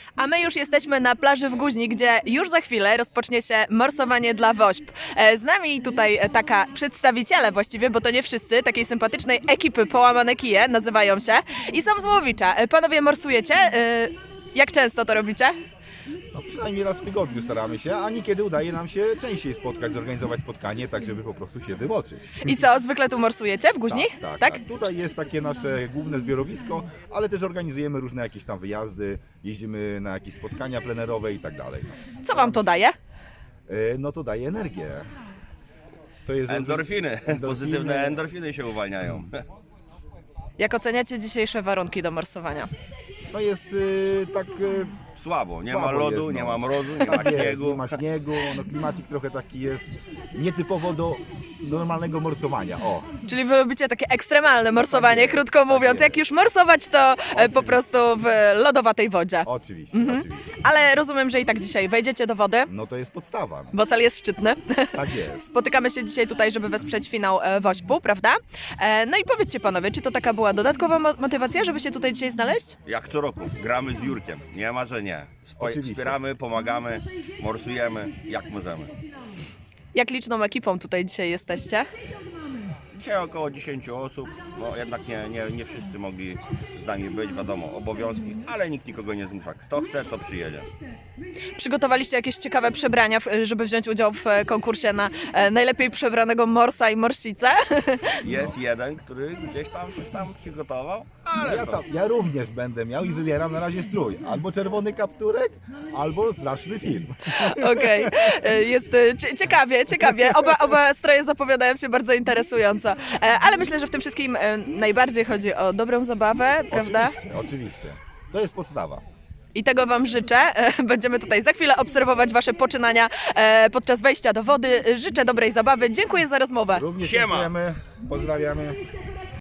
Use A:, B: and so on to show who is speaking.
A: A my już jesteśmy na plaży w Guźni, gdzie już za chwilę rozpocznie się morsowanie dla wośp. Z nami tutaj taka przedstawiciele właściwie, bo to nie wszyscy, takiej sympatycznej ekipy Połamane Kije nazywają się i są z Łowicza. Panowie morsujecie? Jak często to robicie?
B: No, przynajmniej raz w tygodniu staramy się, a niekiedy udaje nam się częściej spotkać, zorganizować spotkanie, tak żeby po prostu się wymoczyć.
A: I co, zwykle tu morsujecie w Guźni?
B: Tak. Tutaj jest takie nasze główne zbiorowisko, ale też organizujemy różne jakieś tam wyjazdy, jeździmy na jakieś spotkania plenerowe i tak dalej.
A: Co wam to daje?
B: No to daje energię. To jest
C: Endorfiny, pozytywne endorfiny się uwalniają.
A: Jak oceniacie dzisiejsze warunki do morsowania?
B: No jest tak...
C: Słabo, nie
B: Słabo
C: ma lodu,
B: jest, no.
C: nie ma mrozu, nie ma
B: tak jest,
C: śniegu.
B: nie ma śniegu, no klimacik trochę taki jest nietypowo do normalnego morsowania. O.
A: Czyli wy lubicie takie ekstremalne morsowanie,
B: jest,
A: krótko mówiąc.
B: jest.
A: Jak już morsować, to po prostu w lodowatej wodzie.
B: Oczywiście.
A: Ale rozumiem, że i tak dzisiaj wejdziecie do wody,
B: No to jest podstawa.
A: bo cel jest szczytny.
B: Tak jest.
A: Spotykamy się dzisiaj tutaj, żeby wesprzeć finał Wośpu, prawda? No i powiedzcie panowie, czy to taka była dodatkowa motywacja, żeby się tutaj dzisiaj znaleźć?
C: Jak co roku, gramy z Jurkiem, nie ma, że nie.
B: Oczywiście.
C: Wspieramy, pomagamy, morsujemy jak możemy.
A: Jak liczną ekipą tutaj dzisiaj jesteście?
C: Dzisiaj około 10 osób, bo jednak nie wszyscy mogli z nami być, wiadomo, obowiązki, ale nikt nikogo nie zmusza. Kto chce, to przyjedzie.
A: Przygotowaliście jakieś ciekawe przebrania, żeby wziąć udział w konkursie na najlepiej przebranego morsa i morsicę?
C: Jest jeden, który gdzieś tam coś tam przygotował, ale
B: Ja również będę miał i wybieram na razie strój. Albo czerwony kapturek, albo straszny film.
A: Okej, jest ciekawie. Oba stroje zapowiadają się bardzo interesująco. Ale myślę, że w tym wszystkim najbardziej chodzi o dobrą zabawę, prawda?
B: Oczywiście. To jest podstawa.
A: I tego wam życzę. Będziemy tutaj za chwilę obserwować wasze poczynania podczas wejścia do wody. Życzę dobrej zabawy. Dziękuję za rozmowę.
B: Również
C: Siema.
B: dziękujemy, pozdrawiamy.